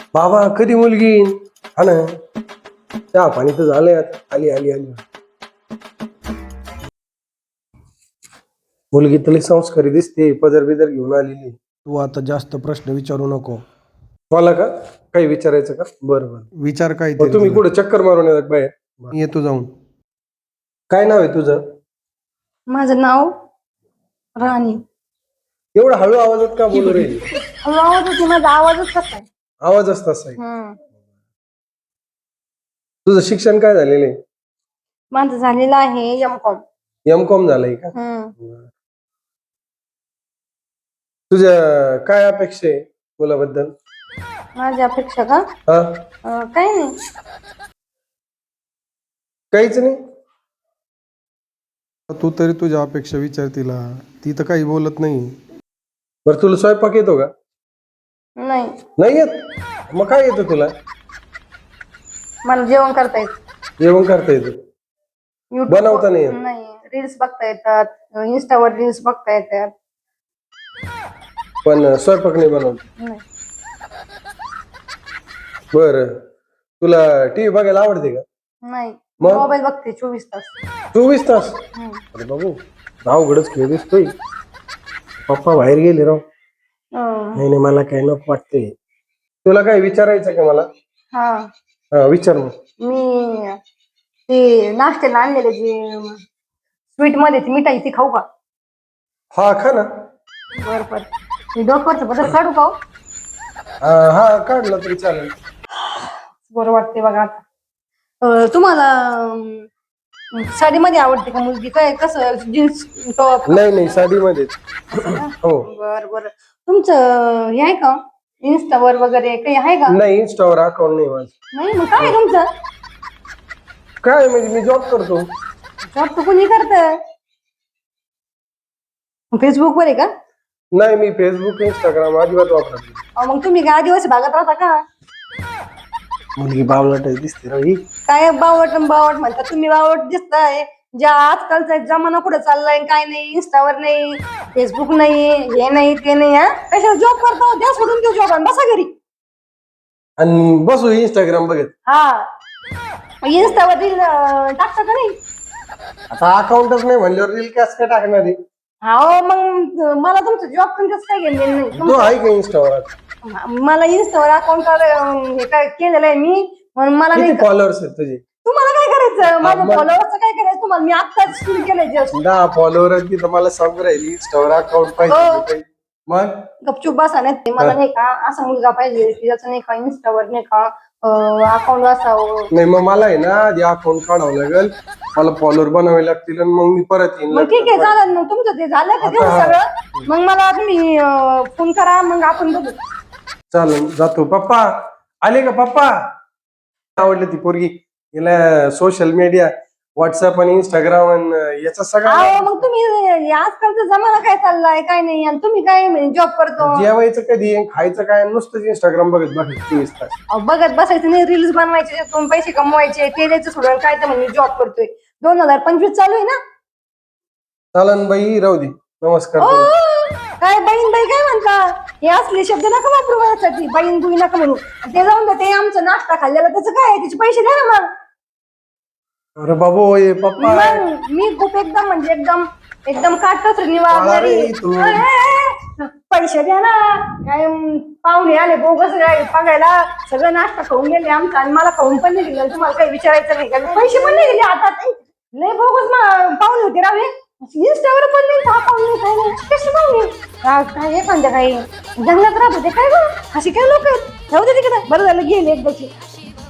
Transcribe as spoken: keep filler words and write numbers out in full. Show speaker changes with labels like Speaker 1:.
Speaker 1: बाबा कधी मुलगी येईन? हा ना, चहा पाणी तर झालंय आता. आली आली आली मुलगी तरी संस्कारी दिसते, पदर बिदर घेऊन आलेली. तू आता जास्त प्रश्न विचारू नको. मला का काही विचारायचं का? बरं बरं विचार. काय तुम्ही कुठे चक्कर मारून येतात बाहेर? येतो जाऊन. काय नाव आहे तुझं?
Speaker 2: माझं नाव राणी.
Speaker 1: एवढा हळू आवाजात का बोलू रे?
Speaker 2: हळू आवाजच माझा आवाजच कसा आहे.
Speaker 1: आवाजच तसा आहे.
Speaker 2: हम्म.
Speaker 1: तुझं शिक्षण काय झालेलं आहे?
Speaker 2: माझं झालेलं आहे एम कॉम.
Speaker 1: एम कॉम झालंय का? तुझ्या काय अपेक्षा आहे मुलाबद्दल?
Speaker 2: माझी अपेक्षा का?
Speaker 1: हा,
Speaker 2: अं, काही नाही.
Speaker 1: काहीच नाही.
Speaker 3: तू तरी तुझ्या अपेक्षा विचार तिला, ती तर काही बोलत नाही.
Speaker 1: बरं तुला स्वयंपाक येतो का?
Speaker 2: नाही,
Speaker 1: नाही येत? मग काय येतं तुला?
Speaker 2: मला जेवण करता येत.
Speaker 1: जेवण करता येतं?
Speaker 2: YouTube
Speaker 1: बनवता नाही येत?
Speaker 2: नाही, रील्स बघता येतात, इंस्टावर रील्स बघता येतात.
Speaker 1: पण स्वयंपाक नाही बनवत?
Speaker 2: नाही.
Speaker 1: बर, तुला टीव्ही बघायला आवडते का?
Speaker 2: नाही,
Speaker 1: मग?
Speaker 2: मोबाईल बघते चोवीस तास.
Speaker 1: चोवीस तास?
Speaker 2: हम्म.
Speaker 1: अरे बाबू, अवघडच खेळ दिसतोय. पप्पा बाहेर गेले राव.
Speaker 2: अं,
Speaker 1: नाही नाही, मला काय नको वाटतंय. तुला काय विचारायचं का मला?
Speaker 2: हा,
Speaker 1: हा विचार मग.
Speaker 2: मी ते नाश्त्याला आणलेले जे स्वीट मध्ये ती मिठाई ती खाऊ का?
Speaker 1: हा खा ना.
Speaker 2: बर बर. मी डोक्यावरचं बदल काढू का हो?
Speaker 1: हा हा, काढला तरी चालेल.
Speaker 2: बरं वाटते बघा आता. अं, तुम्हाला अं, साडीमध्ये आवडते का मुलगी? काय कसं जीन्स टॉप?
Speaker 1: नाही नाही, साडीमध्ये. हो.
Speaker 2: बर बर. तुमचं हे आहे का इन्स्टावर वगैरे काही आहे का?
Speaker 1: नाही, इंस्टावर अकाउंट नाही माझं.
Speaker 2: नाही, मग काय आहे तुमचं?
Speaker 1: काय म्हणजे मी जॉब करतो.
Speaker 2: जॉब तर कोणी करत? फेसबुक वर आहे का?
Speaker 1: नाही, मी फेसबुक इंस्टाग्राम अजिबात वापरत नाही.
Speaker 2: अहो, मग तुम्ही काय आदिवासी भागात राहता का?
Speaker 1: मुलगी बावळट दिसते राव ही.
Speaker 2: काय बावट बावट म्हणता तुम्ही? बावट दिसताय. ज्या आजकालचा जमाना कुठे चाललाय, काय नाही, इंस्टावर नाही, फेसबुक नाही, हे नाही ते नाही. हा, कशाला जॉब करता? द्या सोडून देऊ जॉब, बसा घरी.
Speaker 1: आणि बसू इंस्टाग्राम बघत.
Speaker 2: हा, इंस्टावर रील टाकता का नाही?
Speaker 1: आता अकाउंटच नाही म्हणल्यावर रील कॅस काय टाकणार आहे?
Speaker 2: हो, मग मला तुमचं जॉब पण कसं काय घेणं नाही.
Speaker 1: तो आहे का इंस्टावर?
Speaker 2: मला इंस्टावर अकाउंट हे काय केलेलं आहे मी, म्हणून मला नाही.
Speaker 1: किती फॉलोअर्स आहेत तुझे?
Speaker 2: तुम्हाला काय करायचं? माझ्या
Speaker 1: मग-
Speaker 2: फॉलोअर्सचं काय करायचं तुम्हाला? मी आत्ताच सुरू केलंय जस्ट.
Speaker 1: दहा फॉलोअर आहेत की मला सांगू राहिली इंस्टावर अकाउंट
Speaker 2: हो.
Speaker 1: पाहिजे. मग
Speaker 2: गपचूप बसा. नाही ते मला नाही का असा मुलगा पाहिजे की ज्याचं नाही का इंस्टावर नाही का अकाउंट असावं.
Speaker 1: नाही, मग मला आहे ना आधी अकाउंट काढावं लागेल, मला फॉलोअर बनावे लागतील आणि मग मी परत येईन.
Speaker 2: मग ठीक आहे, चालेल. मग तुमचं ते झालं का तेवढं
Speaker 1: आता-
Speaker 2: सगळं? मग मला तुम्ही फोन करा, मग आपण बघू.
Speaker 1: चालेल, जातो. पप्पा आले का? पप्पा आवडली ती पोरगी. हिला सोशल मीडिया, व्हॉट्सअप आणि इंस्टाग्राम आणि याचा सगळा.
Speaker 2: अहो, मग तुम्ही आजकालचा जमाना काय चाललाय काय नाही, आणि तुम्ही काय जॉब करतो?
Speaker 1: जेवायचं कधी खायचं काय नुसतंच इंस्टाग्राम बघत बघ चोवीस तास.
Speaker 2: अहो, बघत बसायचं नाही, रील्स बनवायचे, त्यातून पैसे कमवायचे, ते द्यायचं सोडून काय तर म्हणजे जॉब करतोय. दोन हजार पंचवीस चालू आहे ना?
Speaker 1: चालन बाई, राहू दे. नमस्कार.
Speaker 2: ओ, काय बहीण बाई काय म्हणता? हे असले शब्द नका वापरू माझ्यासाठी. बहीण बुई नका म्हणू. ते जाऊन द्या, ते आमचं नाश्ता खाल्लेला त्याचं काय? त्याचे पैसे द्या ना मग.
Speaker 1: अरे बाबू, ये पप्पा.
Speaker 2: मग मी खूप एकदम म्हणजे एकदम एकदम काटकसर निवारणारी.
Speaker 1: अरे तू.
Speaker 2: ए, ए, ए, पैसे द्या ना. काय अं, पाहुणे आले बोगस काय बघायला, सगळं नाश्ता खाऊन गेले आमचा, आणि मला खाऊन पण नाही दिलं. तुम्हाला काही विचारायचं नाही का? पैसे पण नाही दिले हातात. लय बोगस पाहुणे होते राव हे. इंस्टावर पण नाही, अकाउंट नाही, काय नाही. कशी पाहुणे? काय काय एखाद्या काही जंगलात राहत होते काय गं? अशी काय लोक आहेत? जाऊ दे तिकडे. बरं झालं गेले एकदाची.